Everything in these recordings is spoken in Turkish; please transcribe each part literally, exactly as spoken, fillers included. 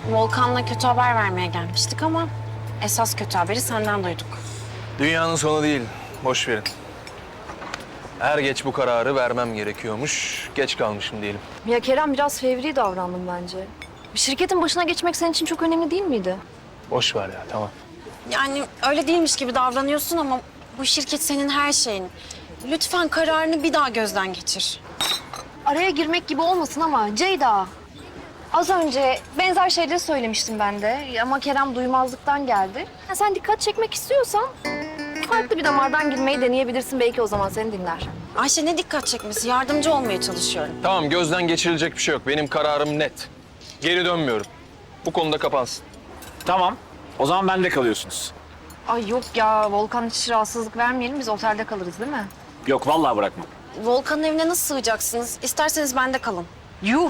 Volkan'la kötü haber vermeye gelmiştik ama esas kötü haberi senden duyduk. Dünyanın sonu değil. Boş verin. Er geç bu kararı vermem gerekiyormuş. Geç kalmışım diyelim. Ya Kerem biraz fevri davrandım bence. Bir şirketin başına geçmek senin için çok önemli değil miydi? Boş ver ya, tamam. Yani öyle değilmiş gibi davranıyorsun ama bu şirket senin her şeyin. Lütfen kararını bir daha gözden geçir. Araya girmek gibi olmasın ama Ceyda. Az önce benzer şeyleri söylemiştim ben de ama Kerem duymazlıktan geldi. Ya sen dikkat çekmek istiyorsan farklı bir damardan girmeyi deneyebilirsin. Belki o zaman seni dinler. Ayşe ne dikkat çekmesi? Yardımcı olmaya çalışıyorum. Tamam, gözden geçirilecek bir şey yok. Benim kararım net. Geri dönmüyorum. Bu konuda kapansın. Tamam. O zaman bende kalıyorsunuz. Ay yok ya Volkan hiç rahatsızlık vermeyelim biz otelde kalırız değil mi? Yok vallahi bırakmam. Volkan'ın evine nasıl sığacaksınız? İsterseniz bende kalın. Yuh!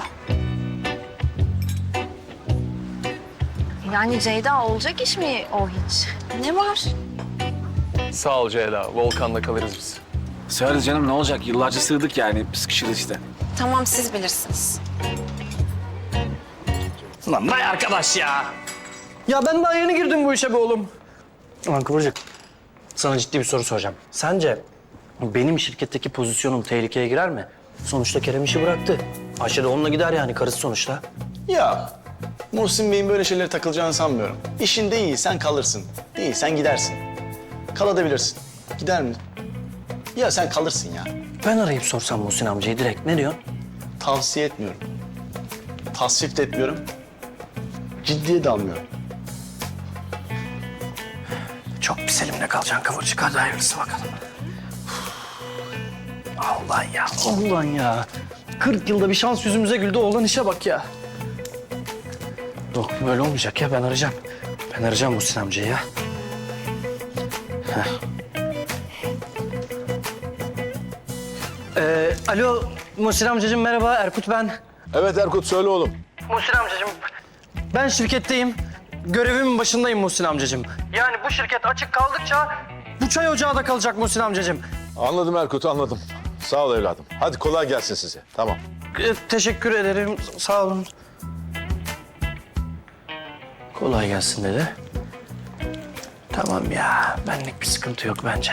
Yani Ceyda olacak iş mi o hiç? Ne var? Sağ ol Ceyda. Volkan'da kalırız biz. Söyle canım ne olacak? Yıllarca sığdık yani. Sıkışırız işte. Tamam siz bilirsiniz. Lan vay arkadaş ya. Ya ben daha yeni girdim bu işe be oğlum. Ulan Kıvırcık, sana ciddi bir soru soracağım. Sence benim şirketteki pozisyonum tehlikeye girer mi? Sonuçta Kerem işi bıraktı. Ayşe de onunla gider yani, karısı sonuçta. Ya Muhsin Bey'in böyle şeylere takılacağını sanmıyorum. İşinde iyiysen kalırsın, değilsen gidersin. Kalabilirsin. Gider mi? Ya sen kalırsın ya. Ben arayıp sorsam Muhsin amcayı direkt, ne diyorsun? Tavsiye etmiyorum. Tasvip de etmiyorum. Ciddiye de almıyorum. Çok pis elimde kalacaksın Kıvırcık, hadi hayırlısı bakalım. Allah ya, Allah ya. kırk yılda bir şans yüzümüze güldü, oğlan işe bak ya. Yok böyle olmayacak ya, ben arayacağım. Ben arayacağım Muhsin amcayı ya. Heh. Ee, alo Muhsin amcacığım, merhaba, Erkut ben. Evet Erkut, söyle oğlum. Muhsin amcacığım, ben şirketteyim. Görevimin başındayım Muhsin amcacığım. Yani bu şirket açık kaldıkça bu çay ocağı da kalacak Muhsin amcacığım. Anladım Erkut, anladım. Sağ ol evladım. Hadi kolay gelsin size. Tamam. Ee, teşekkür ederim, sağ olun. Kolay gelsin dedi. Tamam ya, benlik bir sıkıntı yok bence.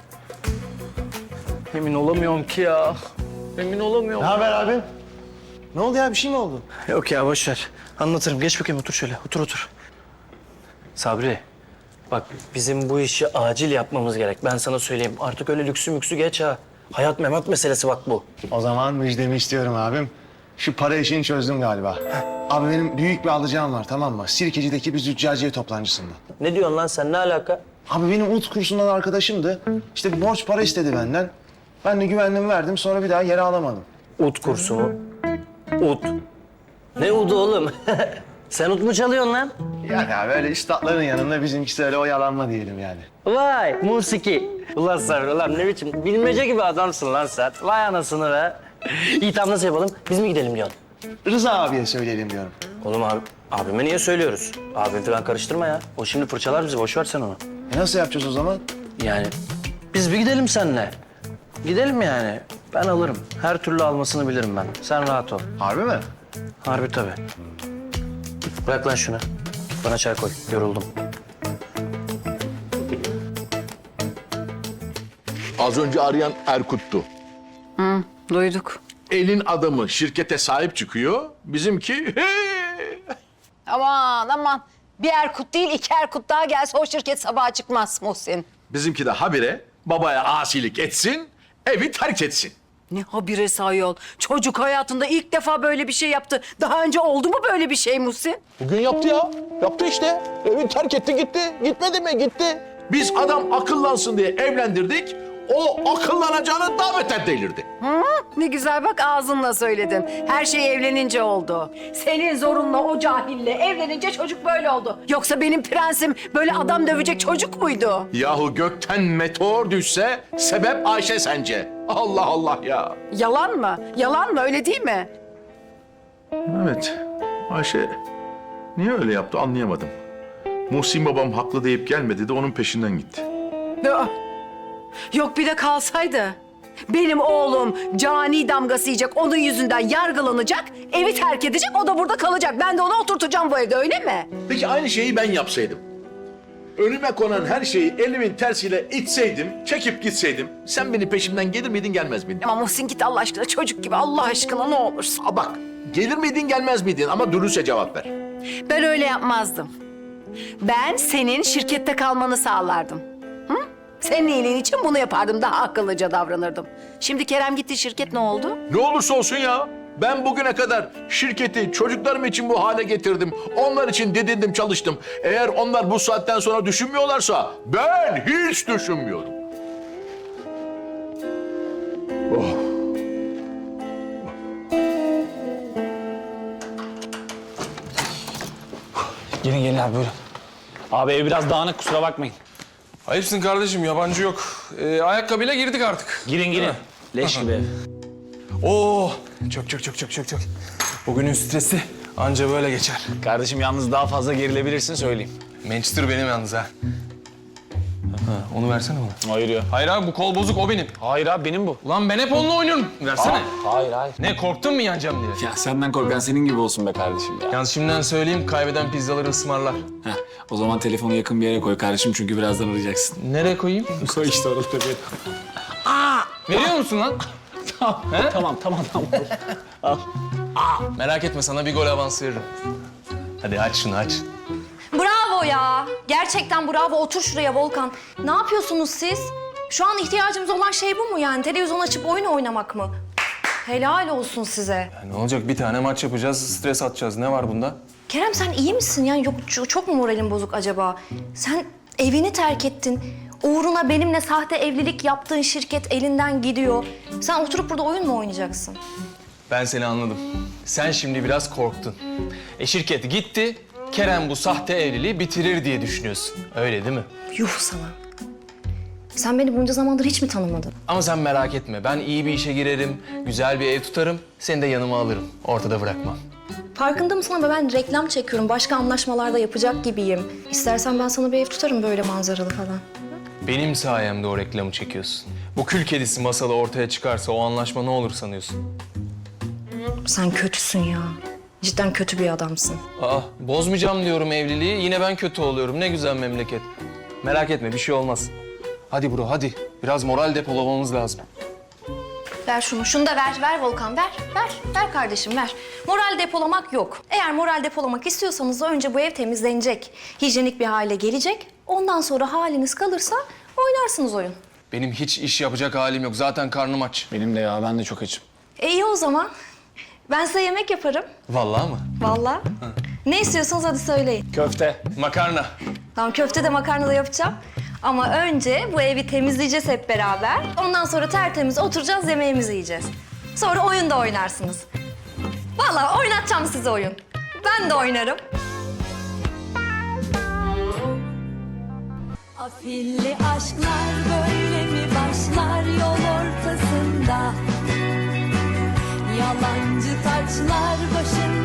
Emin olamıyorum ki ya. Emin olamıyorum. Ne haber abi? Ne oldu ya? Bir şey mi oldu? Yok ya, boş ver. Anlatırım. Geç bakayım, otur şöyle. Otur, otur. Sabri, bak bizim bu işi acil yapmamız gerek. Ben sana söyleyeyim. Artık öyle lüksü müksü geç ha. Hayat memat meselesi bak bu. O zaman müjdemi istiyorum abim. Şu para işini çözdüm galiba. Abi benim büyük bir alacağım var, tamam mı? Sirkeci'deki bir züccaciye toplancısında. Ne diyorsun lan sen? Ne alaka? Abi benim ut kursundan arkadaşımdı. İşte bir borç para istedi benden. Ben de güvenliğimi verdim, sonra bir daha geri alamadım. Ut kursu mu? Ut. Ne udu oğlum? Sen ut mu çalıyorsun lan? Yani abi öyle üstadların yanında bizimkisi öyle oyalanma diyelim yani. Vay musiki. Ulan Sabri, ulan ne biçim bilmece gibi adamsın lan sen. Vay anasını be. İyi, tamam, nasıl yapalım? Biz mi gidelim diyorsun? Rıza abiye söyleyelim diyorum. Oğlum abi, abime niye söylüyoruz? Abim falan karıştırma ya. O şimdi fırçalar bizi, boş ver sen onu. E nasıl yapacağız o zaman? Yani biz bir gidelim seninle. Gidelim yani. Ben alırım. Her türlü almasını bilirim ben. Sen rahat ol. Harbi mi? Harbi tabii. Bırak lan şunu. Bana çay koy. Yoruldum. Az önce arayan Erkut'tu. Duyduk. Elin adamı şirkete sahip çıkıyor. Bizimki Aman aman. Bir Erkut değil iki Erkut daha gelse o şirket sabaha çıkmaz Muhsin. bizimki de habire babaya asilik etsin, evi terk etsin. Ne habire ayol. Çocuk hayatında ilk defa böyle bir şey yaptı. Daha önce oldu mu böyle bir şey Muhsin? Bugün yaptı ya. Yaptı işte. Evi terk etti gitti. Gitmedi mi? Gitti. Biz adam akıllansın diye evlendirdik. O akıllanacağını daha beter delirdi. Ne güzel bak ağzınla söyledin. Her şey evlenince oldu. Senin zorunla o cahille evlenince çocuk böyle oldu. Yoksa benim prensim böyle adam dövecek çocuk muydu? Yahu gökten meteor düşse sebep Ayşe sence. Allah Allah ya. Yalan mı? Yalan mı? Öyle değil mi? Evet. Ayşe niye öyle yaptı anlayamadım. Muhsin babam haklı deyip gelmedi de onun peşinden gitti. Aa, yok bir de kalsaydı. Benim oğlum cani damgası yiyecek, onun yüzünden yargılanacak, evi terk edecek, o da burada kalacak. Ben de onu oturtacağım bu evde, öyle mi? Peki aynı şeyi ben yapsaydım. Önüme konan her şeyi elimin tersiyle itseydim, çekip gitseydim, sen beni peşimden gelir miydin, gelmez miydin? Ama Muhsin git Allah aşkına, çocuk gibi, Allah aşkına ne olursun. Aa, bak, gelir miydin, gelmez miydin ama dürüstçe cevap ver. Ben öyle yapmazdım. Ben senin şirkette kalmanı sağlardım. Hı? Senin iyiliğin için bunu yapardım, daha akıllıca davranırdım. Şimdi Kerem gitti, şirket ne oldu? Ne olursa olsun ya. Ben bugüne kadar şirketi çocuklarım için bu hale getirdim. Onlar için didindim, çalıştım. Eğer onlar bu saatten sonra düşünmüyorlarsa ben hiç düşünmüyorum. Oh. Gelin gelin abi buyurun. Abi ev biraz dağınık, kusura bakmayın. Ayıpsın kardeşim, yabancı yok. Ee, ayakkabıyla girdik artık. Girin girin. Leş gibi ev. Oo, çok çok çok çok çok çok. Bugünün stresi anca böyle geçer. Kardeşim yalnız daha fazla gerilebilirsin söyleyeyim. Manchester benim yalnız ha. Ha, onu versene bana. Hayır ya. Hayır abi, bu kol bozuk, o benim. Hayır abi benim bu. Ulan ben hep onunla oynuyorum. Versene. Hayır hayır. Ne, korktun mu yanacağım diye? Ya senden korkan senin gibi olsun be kardeşim ya. Yalnız şimdiden söyleyeyim, kaybeden pizzaları ısmarlar. Heh, o zaman telefonu yakın bir yere koy kardeşim çünkü birazdan arayacaksın. Nereye koyayım? Koy işte orada bir. Veriyor musun lan? He? Tamam tamam tamam. Merak etme, sana bir gol avansı veririm. Hadi aç şunu, aç. Bravo ya. Gerçekten bravo. Otur şuraya Volkan. Ne yapıyorsunuz siz? Şu an ihtiyacımız olan şey bu mu yani? Televizyon açıp oyun oynamak mı? Helal olsun size. Ya ne olacak, bir tane maç yapacağız, stres atacağız. Ne var bunda? Kerem sen iyi misin? Yani yok çok, çok mu moralin bozuk acaba? Sen evini terk ettin. Uğruna benimle sahte evlilik yaptığın şirket elinden gidiyor. Sen oturup burada oyun mu oynayacaksın? Ben seni anladım. Sen şimdi biraz korktun. E şirket gitti, Kerem bu sahte evliliği bitirir diye düşünüyorsun. Öyle değil mi? Yuh sana. Sen beni bunca zamandır hiç mi tanımadın? Ama sen merak etme, ben iyi bir işe girerim, güzel bir ev tutarım, seni de yanıma alırım. Ortada bırakmam. Farkında mısın ama ben reklam çekiyorum. Başka anlaşmalarda yapacak gibiyim. İstersen ben sana bir ev tutarım böyle manzaralı falan. Benim sayemde o reklamı çekiyorsun. Bu kül kedisi masalı ortaya çıkarsa o anlaşma ne olur sanıyorsun? Sen kötüsün ya. Cidden kötü bir adamsın. Aa, bozmayacağım diyorum evliliği, yine ben kötü oluyorum. Ne güzel memleket. Merak etme, bir şey olmaz. Hadi bro, hadi. Biraz moral depolamamız lazım. Ver şunu. Şunu da ver. Ver Volkan. Ver. Ver. Ver kardeşim ver. Moral depolamak yok. Eğer moral depolamak istiyorsanız da önce bu ev temizlenecek. Hijyenik bir hale gelecek. Ondan sonra haliniz kalırsa oynarsınız oyun. Benim hiç iş yapacak halim yok. Zaten karnım aç. Benim de ya ben de çok açım. E iyi o zaman. Ben size yemek yaparım. Vallahi mı? Vallahi. Ne istiyorsanız hadi söyleyin. Köfte. Makarna. Tamam köfte de makarna da yapacağım. Ama önce bu evi temizleyeceğiz hep beraber. Ondan sonra tertemiz oturacağız, yemeğimizi yiyeceğiz. Sonra oyun da oynarsınız. Vallahi oynatacağım size oyun. Ben de oynarım. Afilli aşklar böyle mi başlar yol ortasında? Yalancı taçlar başında.